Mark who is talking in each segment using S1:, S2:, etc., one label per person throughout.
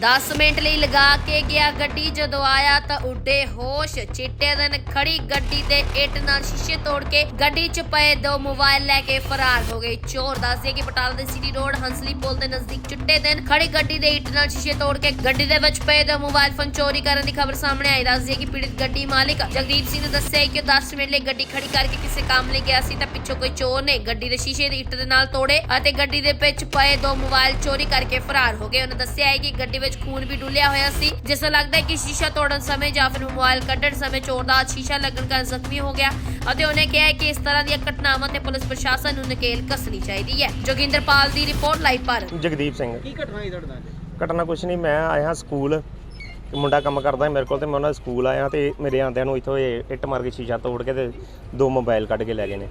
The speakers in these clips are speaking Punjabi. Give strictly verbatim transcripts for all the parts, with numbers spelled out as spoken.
S1: दस मिनट ਲਈ ਲਗਾ ਕੇ ਗਿਆ ਗੱਡੀ ਜਦੋਂ ਆਇਆ ਤਾਂ ਉੱਡੇ ਹੋਸ਼ ਚਿੱਟੇ ਦਿਨ ਖੜੀ ਗੱਡੀ ਤੇ ਇੱਟ ਨਾਲ ਸ਼ੀਸ਼ੇ ਤੋੜ ਕੇ ਗੱਡੀ 'ਚ ਪਏ ਦੋ ਮੋਬਾਈਲ ਲੈ ਕੇ ਫਰਾਰ ਹੋ ਗਏ। ਚੋਰ ਦੱਸਦੇ ਕਿ ਬਟਾਲਾ ਦੇ ਸਿਟੀ ਰੋਡ ਹੰਸਲੀ ਪੁਲ ਦੇ ਨਜ਼ਦੀਕ ਚਿੱਟੇ ਦਿਨ ਖੜੀ ਗੱਡੀ ਦੇ ਇੱਟ ਨਾਲ ਸ਼ੀਸ਼ੇ ਤੋੜ ਕੇ ਗੱਡੀ ਦੇ ਵਿੱਚ ਪਏ ਦੋ ਮੋਬਾਈਲ ਫੋਨ ਚੋਰੀ ਕਰਨ ਦੀ ਖਬਰ ਸਾਹਮਣੇ ਆਈ। ਦੱਸਦੇ ਕਿ ਪੀੜਤ ਗੱਡੀ ਮਾਲਕ ਜਗਦੀਪ ਸਿੰਘ ਨੇ ਦੱਸਿਆ ਕਿ ਦਸ ਮਿੰਟ ਲਈ ਗੱਡੀ ਖੜੀ ਕਰਕੇ ਕਿਸੇ ਕੰਮ ਲਈ ਗਿਆ ਸੀ ਤਾਂ ਪਿੱਛੋਂ ਕੋਈ ਚੋਰ ਨੇ ਗੱਡੀ ਦੇ ਸ਼ੀਸ਼ੇ ਦੀ ਇੱਟ ਦੇ ਨਾਲ ਤੋੜੇ ਅਤੇ ਗੱਡੀ ਦੇ ਵਿੱਚ ਪਏ ਦੋ ਮੋਬਾਈਲ ਚੋਰੀ ਕਰਕੇ ਫਰਾਰ ਹੋ ਗਏ। ਉਹਨਾਂ ਦੱਸਿਆ ਹੈ ਕਿ ਗੱਡੀ ਵਿੱਚ ਖੂਨ ਵੀ ਡੁੱਲਿਆ ਹੋਇਆ ਸੀ, ਜਿਸ ਤੋਂ ਲੱਗਦਾ ਹੈ ਕਿ ਸ਼ੀਸ਼ਾ ਤੋੜਨ ਸਮੇਂ ਜਾਂ ਫਿਰ ਮੋਬਾਈਲ ਕੱਢਣ ਸਮੇਂ ਚੋਰ ਦਾ ਸ਼ੀਸ਼ਾ ਲੱਗਣ ਕਾਰਨ ਜ਼ਖਮੀ ਹੋ ਗਿਆ ਅਤੇ ਉਹਨੇ ਕਿਹਾ ਹੈ ਕਿ ਇਸ ਤਰ੍ਹਾਂ ਦੀਆਂ ਘਟਨਾਵਾਂ ਤੇ ਪੁਲਿਸ ਪ੍ਰਸ਼ਾਸਨ ਨੂੰ ਨਕੇਲ ਕੱਸਣੀ ਚਾਹੀਦੀ ਹੈ। ਜੋਗਿੰਦਰਪਾਲ ਦੀ ਰਿਪੋਰਟ ਲਾਈਵ ਪਰ
S2: ਜਗਦੀਪ ਸਿੰਘ।
S3: ਕੀ ਘਟਨਾ ਹੈ ਤੁਹਾਡੇ ਨਾਲ?
S2: ਘਟਨਾ ਕੁਛ ਨਹੀਂ, ਮੈਂ ਆਇਆ ਸਕੂਲ ਤੇ ਮੁੰਡਾ ਕੰਮ ਕਰਦਾ ਮੇਰੇ ਕੋਲ ਤੇ ਮੈਂ ਉਹਨਾਂ ਦੇ ਸਕੂਲ ਆਇਆ ਤੇ ਮੇਰੇ ਆਂਦਿਆਂ ਨੂੰ ਇੱਥੋਂ ਇਹ ਇੱਟ ਮਾਰ ਕੇ ਸ਼ੀਸ਼ਾ ਤੋੜ ਕੇ ਤੇ ਦੋ ਮੋਬਾਈਲ ਕੱਢ ਕੇ ਲੈ ਗਏ ਨੇ।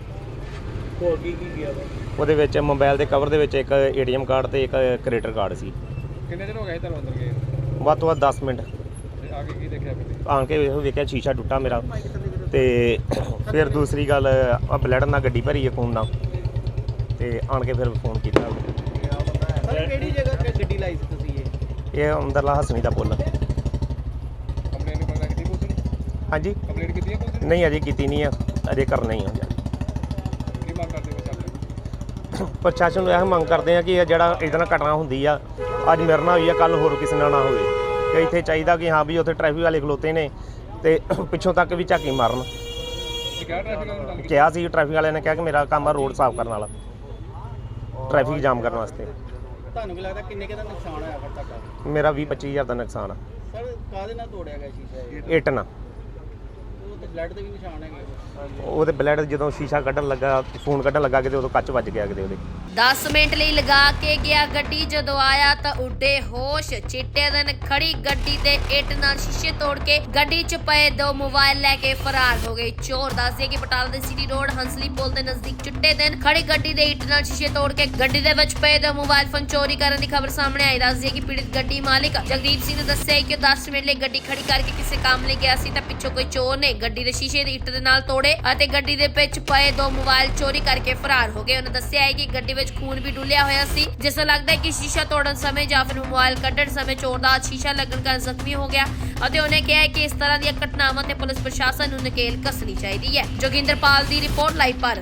S3: ਹੋਰ ਕੀ ਕੀ ਗਿਆ ਵਾ?
S2: ਉਹਦੇ ਵਿੱਚ ਮੋਬਾਈਲ ਦੇ ਕਵਰ ਦੇ ਵਿੱਚ ਇੱਕ ਏਟੀਐਮ ਕਾਰਡ ਤੇ ਇੱਕ ਕ੍ਰੈਡਿਟ ਕਾਰਡ ਸੀ।
S3: ਕਿੰਨੇ ਦਿਨ ਹੋ ਗਏ ਤੁਹਾਨੂੰ ਅੰਦਰ ਗਏ?
S2: ਵੱਧ ਤੋਂ ਵੱਧ ਦਸ ਮਿੰਟ।
S3: ਤੇ ਆ ਕੇ ਕੀ ਦੇਖਿਆ ਫਿਰ?
S2: ਆਣ ਕੇ ਵੇਖੋ ਵੇਖਿਆ ਸ਼ੀਸ਼ਾ ਟੁੱਟਾ ਮੇਰਾ ਤੇ ਫਿਰ ਦੂਸਰੀ ਗੱਲ ਆ ਬਲੱਡ ਨਾਲ ਗੱਡੀ ਭਰੀ ਹੈ ਖੂਨ ਨਾਲ ਤੇ ਆਣ ਕੇ ਫਿਰ ਫੋਨ ਕੀਤਾ।
S3: ਸਰ ਕਿਹੜੀ ਜਗ੍ਹਾ ਤੇ ਗੱਡੀ ਲਾਈ ਸੀ ਤੁਸੀਂ? ਇਹ
S2: ਇਹ ਅੰਦਰਲਾ ਹਸਣੀ ਦਾ ਪੁੱਲ।
S3: ਕੰਪਲੇਂਟ ਨਹੀਂ ਪਤਾ ਕੀਤੀ ਪੁਲਿਸ ਨੇ?
S2: ਹਾਂਜੀ
S3: ਕੰਪਲੇਂਟ ਕੀਤੀ ਹੈ ਪੁਲਿਸ ਨੇ?
S2: ਨਹੀਂ ਅਜੇ ਕੀਤੀ ਨਹੀਂ ਆ, ਅਜੇ ਕਰਨਾ ਹੀ ਆ।
S3: ਕੀ ਮੰਗ ਕਰਦੇ ਹੋ?
S2: ਪ੍ਰਸ਼ਾਸਨ ਨੂੰ ਇਹ ਮੰਗ ਕਰਦੇ ਆ ਕਿ ਇਹ ਜਿਹੜਾ ਇਹਦੇ ਨਾਲ ਘਟਨਾ ਹੁੰਦੀ ਆ, ਅੱਜ ਮੇਰੇ ਨਾਲ ਹੋਈ ਆ, ਕੱਲ ਹੋਰ ਕਿਸੇ ਨਾਲ ਨਾ ਹੋਵੇ। ਕਿ ਇੱਥੇ ਚਾਹੀਦਾ ਕਿ ਹਾਂ ਵੀ ਉੱਥੇ ਟ੍ਰੈਫਿਕ ਵਾਲੇ ਖਲੋਤੇ ਨੇ ਤੇ ਪਿੱਛੋਂ ਤੱਕ ਵੀ ਝਾਕੀ ਮਾਰਨ।
S3: ਕਿਹਾ ਟ੍ਰੈਫਿਕ ਵਾਲਿਆਂ ਨਾਲ?
S2: ਕਿਹਾ ਸੀ ਟ੍ਰੈਫਿਕ ਵਾਲਿਆਂ ਨੇ ਕਿਹਾ ਕਿ ਮੇਰਾ ਕੰਮ ਆ ਰੋਡ ਸਾਫ਼ ਕਰਨ ਵਾਲਾ, ਟ੍ਰੈਫਿਕ ਜਾਮ ਕਰਨ ਵਾਸਤੇ।
S3: ਤੁਹਾਨੂੰ ਕੀ ਲੱਗਦਾ ਕਿੰਨੇ ਕੁ ਦਾ ਨੁਕਸਾਨ ਹੋਇਆ ਫਿਰ ਤੁਹਾਡਾ?
S2: ਮੇਰਾ ਵੀਹ ਪੱਚੀ ਹਜ਼ਾਰ ਦਾ ਨੁਕਸਾਨ ਆ।
S3: ਸਰ ਕਾਹਦੇ ਨਾਲ ਤੋੜਿਆ ਗਿਆ ਸ਼ੀਸ਼ਾ ਇਹ?
S2: ਇੱਟ ਨਾਲ।
S3: ਉਹ ਤੇ ਬਲੱਡ ਦੇ ਵੀ ਨਿਸ਼ਾਨ ਹੈਗੇ।
S2: ਉਹਦੇ ਬਲੱਡ ਜਦੋਂ ਸ਼ੀਸ਼ਾ ਕੱਢਣ ਲੱਗਾ, ਫੋਨ ਕੱਢਣ ਲੱਗਾ ਕਿਤੇ ਉਦੋਂ ਕੱਚ ਵੱਜ ਗਿਆ ਕਿਤੇ ਉਹਦੇ।
S1: ਦਸ ਮਿੰਟ ਲਈ ਲਗਾ ਕੇ ਗਿਆ ਗੱਡੀ ਜਦੋਂ ਆਇਆ ਤਾਂ ਉੱਡੇ ਹੋਸ਼ ਚਿੱਟੇ ਦਿਨ ਖੜੀ ਗੱਡੀ ਤੇ ਇੱਟ ਨਾਲ ਸ਼ੀਸ਼ੇ ਤੋੜ ਕੇ ਗੱਡੀ 'ਚ ਪਏ ਦੋ ਮੋਬਾਈਲ ਲੈ ਕੇ ਫਰਾਰ ਹੋ ਗਏ। ਚੋਰ ਦੱਸਦੇ ਕਿ ਬਟਾਲਾ ਦੇ ਸਿਟੀ ਰੋਡ ਹੰਸਲੀ ਪੁਲ ਦੇ ਨਜ਼ਦੀਕ ਚਿੱਟੇ ਦਿਨ ਖੜੀ ਗੱਡੀ ਦੇ ਇੱਟ ਨਾਲ ਸ਼ੀਸ਼ੇ ਤੋੜ ਕੇ ਗੱਡੀ ਦੇ ਵਿੱਚ ਪਏ ਦੋ ਮੋਬਾਈਲ ਫੋਨ ਚੋਰੀ ਕਰਨ ਦੀ ਖਬਰ ਸਾਹਮਣੇ ਆਈ। ਦੱਸਦੇ ਕਿ ਪੀੜਤ ਗੱਡੀ ਮਾਲਕ ਜਗਦੀਪ ਸਿੰਘ ਨੇ ਦੱਸਿਆ ਕਿ ਦਸ ਮਿੰਟ ਲਈ ਗੱਡੀ ਖੜੀ ਕਰਕੇ ਕਿਸੇ ਕੰਮ ਲਈ ਗਿਆ ਸੀ ਤਾਂ ਪਿੱਛੋਂ ਕੋਈ ਚੋਰ ਨੇ ਗੱਡੀ ਦੇ ਸ਼ੀਸ਼ੇ ਦੀ ਇੱਟ ਦੇ ਨਾਲ ਤੋੜੇ ਅਤੇ ਗੱਡੀ ਦੇ ਵਿੱਚ ਪਏ ਦੋ ਮੋਬਾਈਲ ਚੋਰੀ ਕਰਕੇ ਫਰਾਰ ਹੋ ਗਏ। ਉਹਨਾਂ ਦੱਸਿਆ ਹੈ ਕਿ ਗੱਡੀ ਵਿੱਚ ਖੂਨ ਵੀ ਡੁੱਲਿਆ ਹੋਇਆ ਸੀ, ਜਿਸ ਤੋਂ ਲੱਗਦਾ ਹੈ ਕਿ ਸ਼ੀਸ਼ਾ ਤੋੜਨ ਸਮੇਂ ਜਾਂ ਫਿਰ ਮੋਬਾਈਲ ਕੱਢਣ ਸਮੇਂ ਚੋਰ ਦਾ ਸ਼ੀਸ਼ਾ ਲੱਗਣ ਕਾਰਨ ਜ਼ਖਮੀ ਹੋ ਗਿਆ ਅਤੇ ਉਹਨੇ ਕਿਹਾ ਹੈ ਕਿ ਇਸ ਤਰ੍ਹਾਂ ਦੀਆਂ ਘਟਨਾਵਾਂ ਤੇ ਪੁਲਿਸ ਪ੍ਰਸ਼ਾਸਨ ਨੂੰ ਨਕੇਲ ਕੱਸਣੀ ਚਾਹੀਦੀ ਹੈ। ਜੋਗਿੰਦਰਪਾਲ ਦੀ ਰਿਪੋਰਟ ਲਾਈਵ ਪਰ।